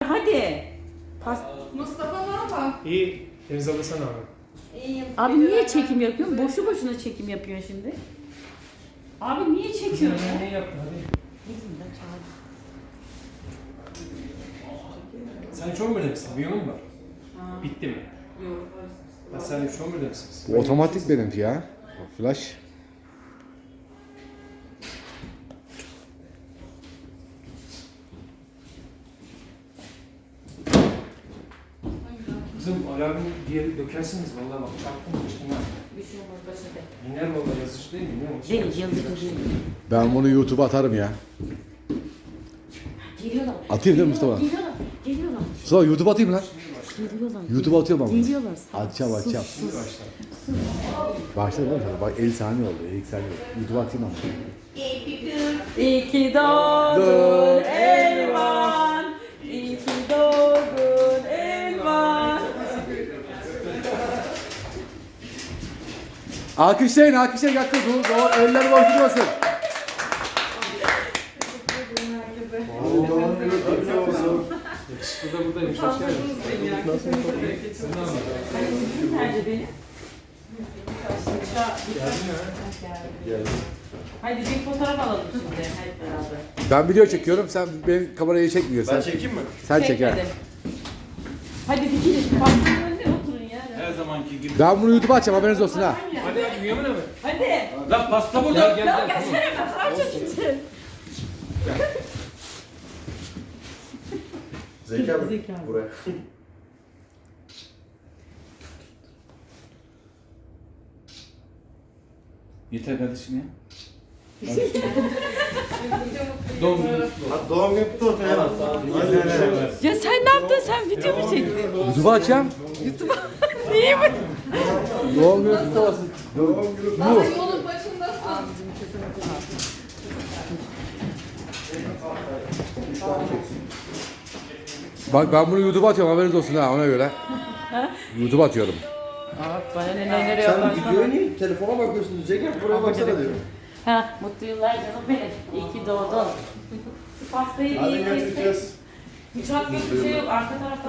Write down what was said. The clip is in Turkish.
hadi. Mustafa ne yapar? İyi. Deniz alasana abi. İyiyim. Abi niye çekim yapıyorsun? Boşu boşuna çekim yapıyorsun şimdi. Abi niye çekiyorsun ya? Ne yaptın hadi. Bizim de çağırdı. Sen Çorum'da mısın? Bu yanın var. Bitti mi? Yok. Ha sen Çorum'da mısınız? Bu otomatik benimki ya. Flash. Kızım alarmı diye dökersiniz vallahi bak çarptım kaçtım ha. Bir şey olmaz başladı. İner vallahi yazıcı değil mi? Ne o? Değil, yıldız değil. Ben bunu YouTube'a atarım ya. Geliyorlar. Atayım değil mi Mustafa? Geliyorlar. Geliyorlar. Mustafa YouTube'a atayım lan. Geliyorlar. YouTube'a atıyorum ama. Geliyorlar. Atacağım. Şimdi başla. Başladı mı? Bak 50 saniye oldu. 50 saniye oldu. YouTube'a atayım ama. İyi ki doğdun Elvan. İyi ki doğdun Elvan. Alkışlayın. Hakkı. Eller boş durmasın. Yakışıklı da buradaymış. Hoş geldin. Sen ne yapıyorsun? Nerede benim? Geldin. Hadi bir fotoğraf alalım şimdi hep beraber. Ben video çekiyorum. Sen benim kamerayı çekmiyorsun. Ben çekeyim mi? Sen çek ha. Çekmedim. Hadi dikilin. Baktığın önüne oturun ya. Her zamanki gibi. Ben bunu YouTube'a açacağım. Haberiniz olsun ha. Hadi Mümin abi. Hadi. Lan pasta burada. Gel. Gelsene ben fotoğraf çekeceğim. Zeki abi. Zeki abi. Buraya. Yeter kardeşim ya. Doğum günü. Doğum günü kutlu olsun ya. Ya sen ne yaptın? Sen video mu çektin? YouTube'a açacağım. Niye mi? Doğum günü kutlu olsun. Daha yolun başındasın. Bak ben bunu YouTube'a atıyorum. Haberiniz olsun ha ona göre. YouTube'a atıyorum. Bana neler Sen videoya niye telefona bakıyorsun? Zeki buraya baksana diyor. Ha, mutlu yıllar canım benim. İyi ki doğdun. Pastayı Hadi iyi kestik. görüşeceğiz. Hiç hak yok bir şey yok. Arka tarafta